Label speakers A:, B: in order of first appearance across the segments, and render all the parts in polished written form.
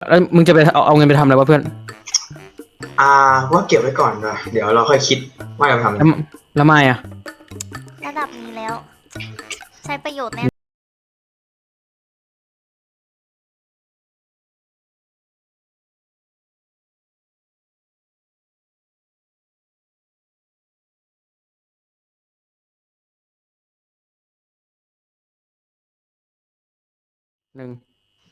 A: แล้วมึงจะไปเอาเงินไปทำอะไรวะเพื่อน
B: อ่าว่าเก็บไว้ก่อนนะเดี๋ยวเราค่อยคิดว่าจะทำอะไร
A: แล้วไม่อ่ะ
C: ระดับนี้แล้ว ใช้ประโยชน์แน่
A: หนึ่ง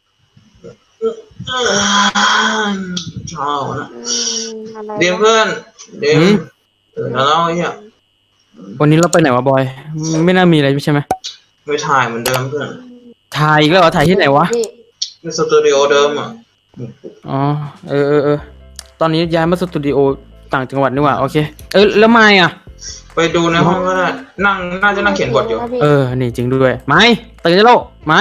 B: ชอบนะ
D: อะไร
B: เดี๋ยวเพื่อนเดี๋ยวแล้วเราเนี่ย
A: วันนี้เราไปไหนวะบอยไม่น่ามีอะไรใช่ไหม
B: ไม่ถ่ายเหมือนเดิมเพื่อน
A: ถ่ายอีกแล้วเหรอถ่ายที่ไหนวะ
B: ในสตูดิโอเดิมอ่ะ
A: อ๋อตอนนี้ย้ายมาสตูดิโอต่างจังหวัดนี่หว่าโอเคแล้วไม่อ่ะ
B: ไปดูในห้องก็ได้น่าจะนั่งเขียนบทอยู่
A: นี่จริงด้วยไม่ตื่นได้แล้วไม่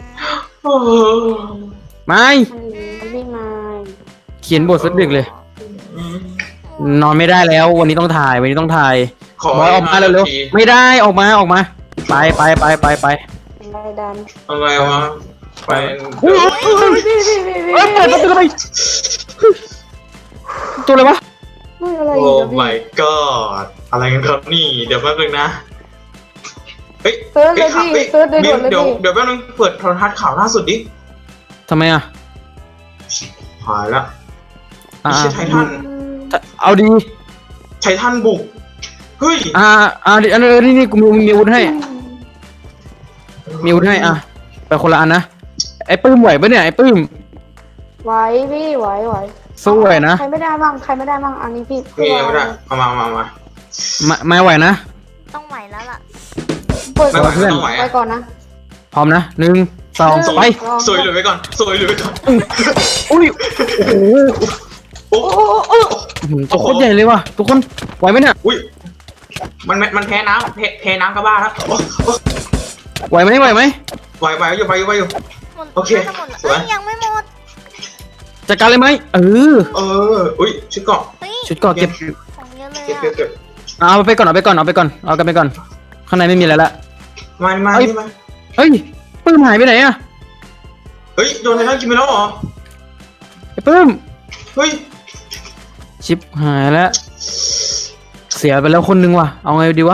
D: พี่มา
A: เขียนบทสักดึกเลยนอนไม่ได้แล้ววันนี้ต้องถ่ายบอยออกมาเร็วๆไม่ได้ออกมาไป
D: อะไรดัน
B: อะไรวะไป
A: เปิดประตูไปตัวอะไรวะ
D: อะไร
B: โอ้ my god อะไรกันครับนี่เดี๋ยวแป๊บนึงนะเฮ้ย
D: เซิร์ชเลยพี่เซิร์ชเลยด่วนเลยพี่
B: เดี๋ยวแป๊บนึงเปิดโทรทัศน์ข่าวล่าสุดดิ
A: ทำไมอ่ะ
B: หายละไม่ใช่ไททัน
A: เอาดี
B: ไททันบุกเฮ้ย
A: นี่กูมีอาวุธให้ไปคนละอันนะไอ้ปื้มไหวปะเนี่ยไอ้ปื้ม
D: ไหวพี่ไหว
A: สู้ไหวนะ
D: ใครไม่ได้บ้างอันนี้พี่
B: ไม่ได้เอามา
A: ไม่ไหวนะ
C: ต้องไหวแล้วล่ะ
D: เปิดเพื่อนไปก่อนนะ
A: พร้อมนะ1 2ไป
B: สวยเลยไว้ก่อน
A: อุ้ยโอ้โหตัวโคตรใหญ่เลยว่ะทุกคนไหวไหมเนี่ย
B: อุ้ยมันแพ้น้ำกระบ้าแล้ว
A: ไหวไหม
B: ไหวอยู่โอเค
C: สวยยังไม่หมด
A: จัดการเลยไหม
B: อุ้ยชุดเกาะ
A: เก็บ
C: ของเยอะเลย
B: เก็บ
A: เอาไปก่อนเอากันไปก่อนข้างในไม่มีอะไรละ
B: มา
A: เฮ้ยปื้มหายไปไหนอะ
B: เฮ้ยโดนไททันกินไปแล้วเหรอ
A: ไอ้ปื้ม
B: เฮ้ย
A: ชิปหายแล้วเสียไปแล้วคนนึงว่ะเอาไงดีวะ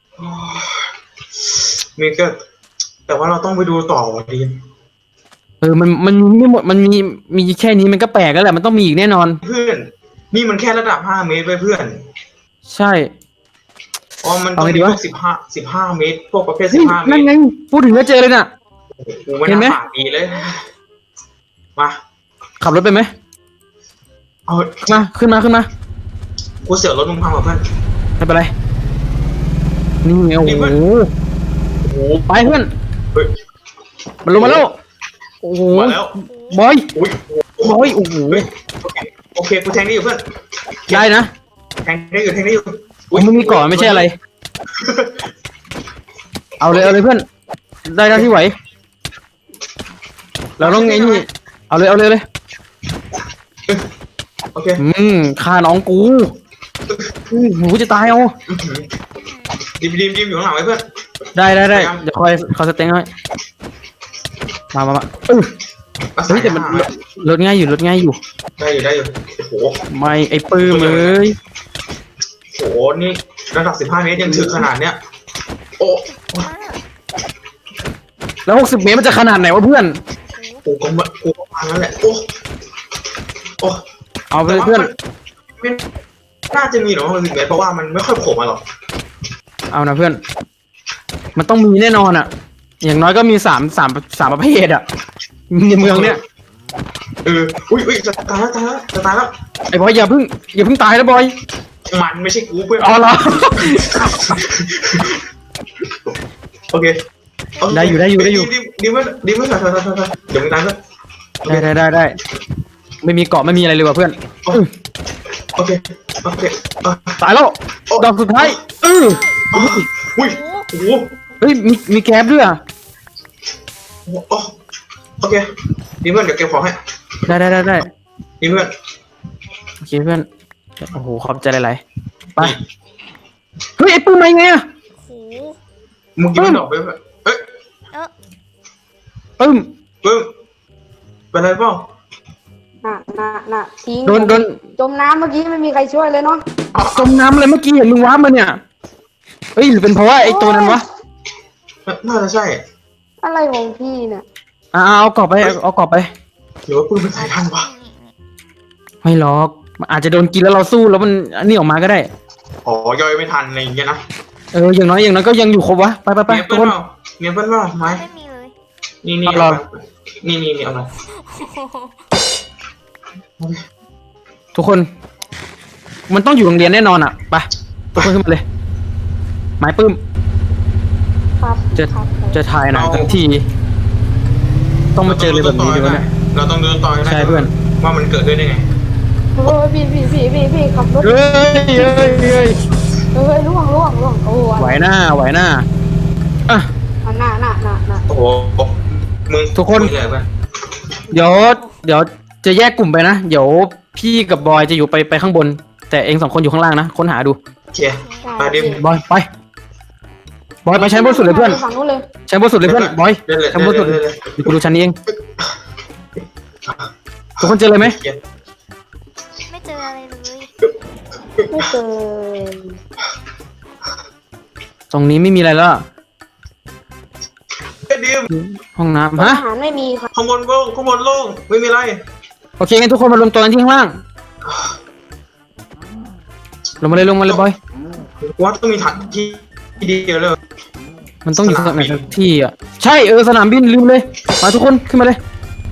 B: มีก็แต่ว่าเราต้องไปดูต่อว่ะดี
A: มันไม่หมดมันมีแค่นี้มันก็แปลกแล้วแหละมันต้องมีอีกแน่นอน
B: เพื่อนนี่มันแค่ระดับ5 เมตรไปเพื่อน
A: ใช่
B: มันต้องมีพวก15 เมตรพวกประเภท15 เมตร
A: นั่นไงพูดถึงแล้วเจอเลยน่ะ
B: เห็นไหมดีเลยมา
A: ขับรถไปไหมมาขึ้นมา
B: กูเสียรถมึงพังเพื่อน
A: ไม่เป็นไรนี่ไงโอ้โหไปเพื่อนมันลงมาแล้วโอ้โหบอยโอ้โห
B: โอเคกูแทงได้อยู่เพื่อน
A: ได้นะ
B: แทงได้อยู่
A: มันมีก่อนไม่ใช่อะไรเอาเลยเพื่อนได้แล้วที่ไหวเราต้องไงนี่เอาเลย
B: โอเค
A: ฆ่าน้องกูหนูจะตายเอา
B: ดิมอยู่ข้างหลังไว้เพื่อน
A: ได้เดี๋ยวคอยเขาสเต็งให้มาเฮ้ยแต่มันลดง่ายอยู่
B: ได้อยู่โอ้โห
A: ไม่ไอ้ปื้ม
B: โอ้โหนี่ระดับ15 เมตรยังถึงขนาดเนี้ยโอ้
A: แล้ว60 เมตรมันจะขนาดไหนวะเพื่อน
B: กูก็พังแล้วแหละโอ้
A: เอาไปเพื่อน
B: ไม่น่าจะมีหรอก60 เมตรเพราะว่ามันไม่ค่อยโผล่มาหรอก
A: เอานะเพื่อนมันต้องมีแน่นอนอ่ะอย่างน้อยก็มี3ประเภทอ่ะในเมืองเนี้ย
B: อุ้ยจะตายแล้ว
A: ไอ้บอยอย่าเพิ่งตายนะบอย
B: มันไม่ใช่กูเพื่อน
A: อ๋อเหรอ
B: โอเค
A: ได้อยู่
B: ดีมากเดี๋ยวมึงตายเพื่อน
A: ได้ไม่มีเกาะไม่มีอะไรเลยว่ะเพื่อน
B: โอเค
A: ตายแล้วดอกสุดท้าย
B: อุ้ยโอ้โห
A: เฮ้ยมีแก๊บด้วยอ่ะ
B: โอเคดีเพื่อนเดี๋ยวเก็บของให้
A: ได้
B: ดีเพื่อน
A: โอเคเพื่อนโอ้โหขอบใจหลายๆไปเฮ้ยไอ้ปื้มมาไงอ่ะ
B: มึงกินไม่ดอกไปเอ้ย
A: ปื้ม
B: เป็นไรเปล่า
D: น่ะทิ้ง
A: โดน
D: จมน้ำเมื่อกี้ไม่มีใครช่วยเลยเนาะ
A: จมน้ำเลยเมื่อกี้เห็นมึงว้ามาเนี่ยเฮ้ยหรือเป็นเพราะว่าไอ้ตัวนั้นวะ
B: น่าจะใช่
D: อะไรของพี่เนี่ย
A: เอากรอบไปเอากรอบไป
B: หรือว่าปืนมันสายพันธุ์วะ
A: ไม่หรอกมันอาจจะโดนกินแล้วเราสู้แล้วมันอันนี้ออกมาก็ได้
B: อ๋อย่อยไม่ทันอะไรอย่างเงี้ยนะ
A: อย่างน้อยก็ยังอยู่ครบวะไป
B: เนีย
A: ทุ
B: เปิ้
A: ก
B: ล
A: คน
B: เปล่าเนียเปิ้ลเปล่าไม้
C: ไม่มีเลย
B: นี่
A: เอาเหรอ
B: นี่เอามา
A: ทุกคน มันต้องอยู่โรงเรียนแน่นอนอ่ะไปทุกคนขึ้นมาเลยหมายปื้ม
D: ครับ
A: จะ
D: ครับ
A: จะถ่ายหนังทั้งทีต้องมาเจอเลยแบบนี้ดีวะเนี่ย
B: เราต้องเดินต่อให้ได้
A: ใช่เพื่อน
B: ว่ามันเกิดด้วยได้ไง
D: เฮ้ยพี่ขับรถ
A: เฮ้ย
D: ล่วงโอ้
A: ไหวหน้าอ่ะ
D: น่ะ
B: โอ้โหมึง
A: ทุกคน
B: มึงเลยเพื่อน
A: เดี๋ยวจะแยกกลุ่มไปนะเดี๋ยวพี่กับบอยจะอยู่ไปข้างบน แต่เอง2 คนอยู่ข้างล่างนะค้นหาดู
B: เคลียร์ไปดิ
A: บอยไปชั้นบนสุดเลยเพื่อน
D: ฝั่งนู้นเลย
A: ชั้นบนสุดเลยเพื่อนบอย
B: เดินเลย
A: ชั้นบนสุด
B: เดินเลย
A: เดี๋ยวกูดูชั้นนี้เองทุกคนเจอเลยไหม
B: เคลียร์
C: ไม่เจออะไรเลย
D: ไม่เจอ
A: ตรงนี้ไม่มีอะไรแล้วอะ
B: ไอ้ดิม
A: ห้องน้ำ
D: อา
A: ฮะ
D: หารไม่มีค่ะ
B: ข้างบนโล่งไม่มีอะไร
A: โอเคงั้นทุกคนมารวมตัวกันที่ข้างล่างลงมาเลยบอย
B: ว่าต้องมีถังที่เดียวเลย
A: มันต้องอยู่สักไหนสักที่อ่ะใช่สนามบินลืมเลยมาทุกคนขึ้นมาเลย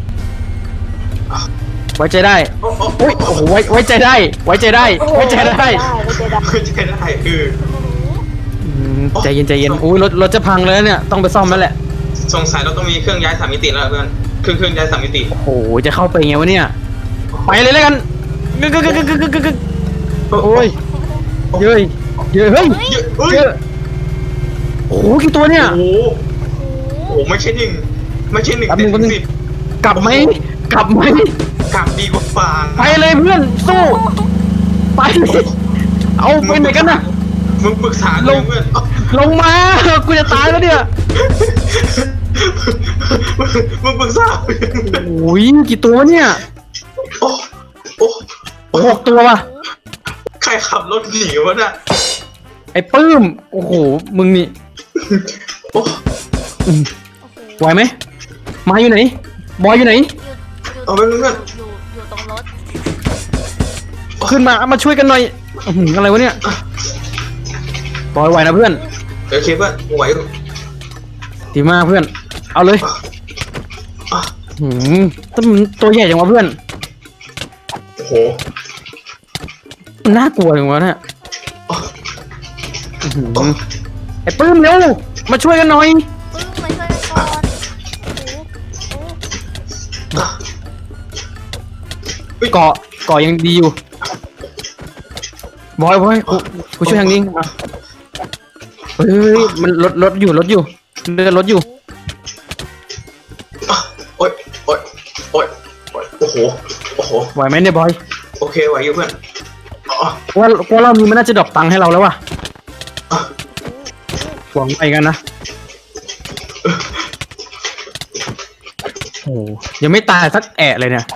A: ไว้ใจได้
B: โอ้โห
A: โอ้ยโอ้โหไว้ใจได้ไว้ใจได้
D: ไม่เจอได้
B: ไม่ใช่ได้คือ
A: ใจเย็นอุ้ยรถจะพังแล้วเนี่ยต้องไปซ่อมแล้วแหละ
B: สงสัยเราต้องมีเครื่องย้าย3 มิติแล้วเพื่อนเครื่องย้าย3 มิติ
A: โอ้โหจะเข้าไปไงวะเนี่ยไปเลยแล้วกันกึกโอ้ยเฮ้ยเฮ้ย
B: เฮ้ย
A: เยอะโอ้โหกี่ตัวเนี่ย
B: โอ้โหไม่ใช่1
A: แป๊บนึง
B: แต่10
A: กลับไหม
B: กลับดีกว่าฟาง
A: ไปเลยเพื่อนสู้ไปเลยเอาไปไหนกันนะ
B: มึงปรึกษาเรื่องเพื่อน
A: ลงมากูจะตายแล้วเนี่ย
B: มึงปรึกษา
A: โอ้ยกี่ตัวเนี่ย
B: โอ้โอ้
A: 6 ตัวว่ะ
B: ใครขับรถหนีวะเนี่ย
A: ไอ้ปื้มโอ้โหมึงนี่
B: โอ้
A: อืมไหวไหมมาอยู่ไหนบอยอยู่ไหน
B: เอาไปเพื่อน
C: อยู่ตรงรถ
A: ขึ้นมาช่วยกันหน่อยอื้อหืออะไรวะเนี่ยบอยไหวนะเพื่อน
B: โอเคเพื่อนไหว
A: ดีมากเพื่อน เอาเลยหืมตัวใหญ่จังวะเพื่อน
B: โอ้โห
A: มันน่ากลัวจังวะเนี่ยอื้อหือไอ้ปื้มเร็วมาช่วยกันหน่อย
C: ปึ้งมาช่วยกันก่อนโอ้
A: เกาะยังดีอยู่บอยกูช่วยทางนี้อ่ะเฮ้ยมันรถอยู่เรือรถอยู่
B: โอ้ยโอ้โห
A: ไหวไหมเนี่ยบอย
B: โอเคไหวอยู่เพื่อน
A: ว่าเรามีมันน่าจะดรอปตังค์ให้เราแล้วว่ะหวังไปกันนะโอ้ยังไม่ตายสักแอะเลยเนี่ย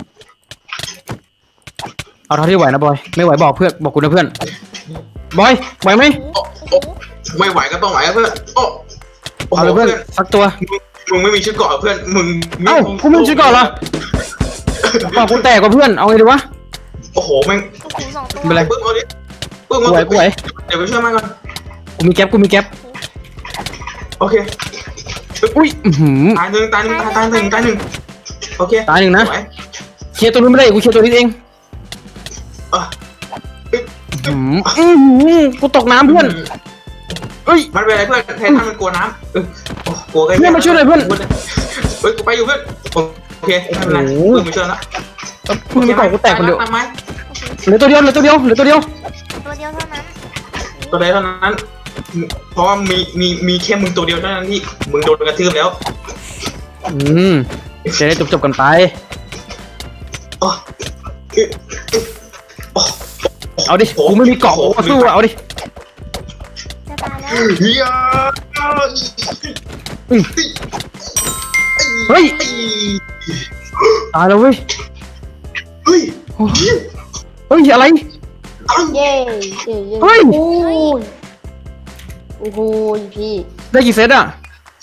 A: เอาเท่าที่ไหวนะบอยไม่ไหวบอกกูนะเพื่อนบอยไหวไหม
B: ไม่ไหวก็ต้องไหวเพื่อนโอ้
A: เอาเลยเพื่อนสักตัว
B: มึงไม่มีชุดเกราะเพื่อนมึง
A: เอ้ากูไม่ชื่อก่อนเหรอบอกกูแตกกว่าเพื่อนเอาไงดีวะ
B: โอ้โหแม่ง
C: โอ้โห2 ตัว
A: เป็นไร
B: ปึ้งเอาดิปึ้ง
A: กูไหว
B: เดี๋ยวไปช่วยมันก่อน
A: กูมีแก๊ป
B: โอเค
A: อุ้ยอื้อหือ
B: ตายหนึ่งโอเค
A: ตายหนึ่งนะ
B: ไหว
A: เคลียร์ตัวนู้นไม่ได้กูเคลียร์ตัวนี้เอง
B: อ่ะ
A: กูตกน้ำเพื่อนเอ้ย
B: มันเป็นอะไรเพื่อนแทนถ้ามันกลัวน้ำกลัว
A: เพื่อนมาช่วยหน่อยเพื่อน
B: เฮ้ยกูไปอยู่เพื่อนโอเคไม่เป็นไร
A: โอ้โห
B: เพื่อนมาช่วยแล้ว
A: มึงไม่ก่อกูแตกคนเดียว
B: ตามไหม
A: เหลือตัวเดียว
C: ตัวเดียวเท่านั้น
B: ตัวใดเท่านั้น เพราะว่ามีแค่มึงตัวเดียวเท่านั้นที่มึงโดนกระทืบแล้ว
A: จะได้จบกันไป
B: อ๋อ
A: เอาดิ กูไม่มีเกาะกูก็สู้อะเอาดิ
C: จะตายแล้ว
B: เฮีย
A: เฮ้ย ตายแล้วเว้ย
B: ฮ้ย
A: เฮ้ยอะไร
D: เย่เย่เย่
A: เฮ้ย
D: โอ้ยโอ้โหพี่
A: ได้กี่เซตอ่ะ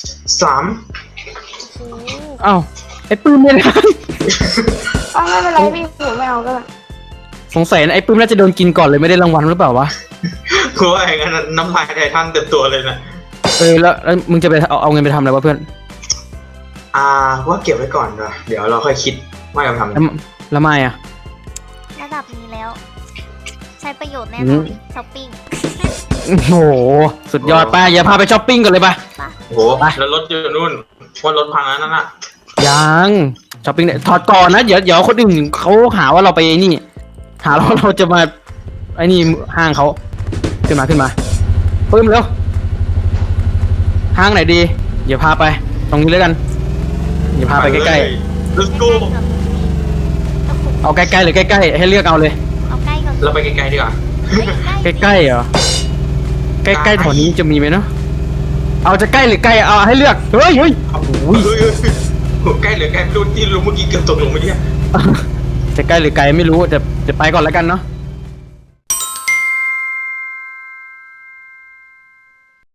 B: 3
C: โอ้โห
A: อ้าวไอ้ปื้มไม่ได้
D: อ้าวไม่เป็นไรพี่ผมไม่เอาก็ได้
A: สงสัยนะไอ้ปื้มน่าจะโดนกินก่อนเลยไม่ได้รางวัลหรือเปล่าวะ
B: เพราะว่าอย่างนั้นน้ำลายไททันเต็มตัวเลยนะ
A: แล้วมึงจะไปเอาเงินไปทำอะไรวะเพื่อน
B: ว่าเก็บไว้ก่อนนะเดี๋ยวเราค่อยคิดว่าจะทำอะไร
A: แล้วไม่อ่ะ
C: ระดับนี้แล้ว ใช้ประโยชน์แน่
A: อื
C: นอ
A: ม
C: นช้อปปิ้ง
A: โอ้โหสุดยอดป้าอย่าพาไปช้อปปิ้งกันเลยป่ะ
B: โอ้โหแล้วรถอยู่นู่นว่ารถพังแล้วนั่นน่ะ
A: ยังช้อปปิ้งเนี่ยถอดก่อนนะเดี๋ยวคนอื่นเขาหาว่าเราไปไอ้นี่ หาเราจะมาไอ้นี่ห้างเขาขึ้นมาปึ้มเร็วห้างไหนดีเดี๋ยวพาไป ตรงนี้แล้วกันเดี๋ยวพาไปใกล้
B: ๆ let's go
A: ๆเอาใกล้ๆหรือใกล้ๆให้เลือกเอาเลย
C: เอาใกล้ก่อน
B: เราไปไกลๆดีกว่า
A: ใกล้ๆเหรอใกล้ๆแถวนี้จะมีไหมเนาะเอาจะใกล้หรือใกล้เอาให้เลือกเฮ้ย
B: เฮ้ยใกล้หรือไกลไม่รู้ที่รู้เมื่อกี้เกือบตกลงเมื่อกี้
A: จะใกล้หรือไกลไม่รู้แต่จะไปก่อนแล้วกันเนาะ